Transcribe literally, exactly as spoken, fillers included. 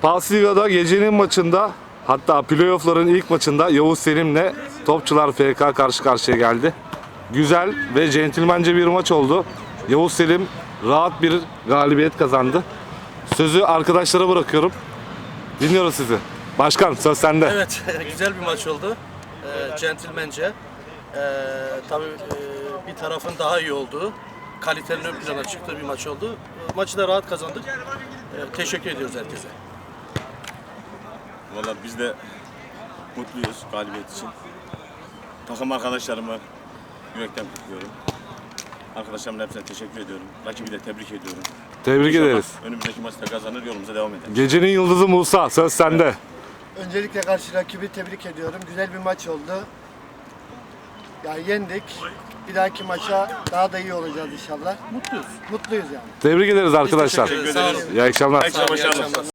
Pasliga'da gecenin maçında, hatta playoff'ların ilk maçında Yavuz Selim'le Topçular F K karşı karşıya geldi. Güzel ve centilmence bir maç oldu. Yavuz Selim rahat bir galibiyet kazandı. Sözü arkadaşlara bırakıyorum. Dinliyoruz sizi. Başkan, söz sende. Evet, güzel bir maç oldu. E, centilmence. E, tabii e, bir tarafın daha iyi olduğu, kalitenin ön plana çıktığı bir maç oldu. E, maçı da rahat kazandık. E, teşekkür ediyoruz herkese. Vallahi biz de mutluyuz galibiyet için. Takım arkadaşlarımı yürekten kutluyorum. Arkadaşlarımın hepsine teşekkür ediyorum. Rakibi de tebrik ediyorum. Tebrik İnşallah ederiz. önümüzdeki maçta kazanır, yolumuza devam ederiz. Gecenin yıldızı Musa, söz sende. Öncelikle karşı rakibi tebrik ediyorum. Güzel bir maç oldu. Yani yendik. Bir dahaki maça daha da iyi olacağız inşallah. Mutluyuz. Mutluyuz yani. Tebrik ederiz arkadaşlar. Teşekkür ederiz. Sağ olun. İyi akşamlar. Herkese İyi başarılar. akşamlar.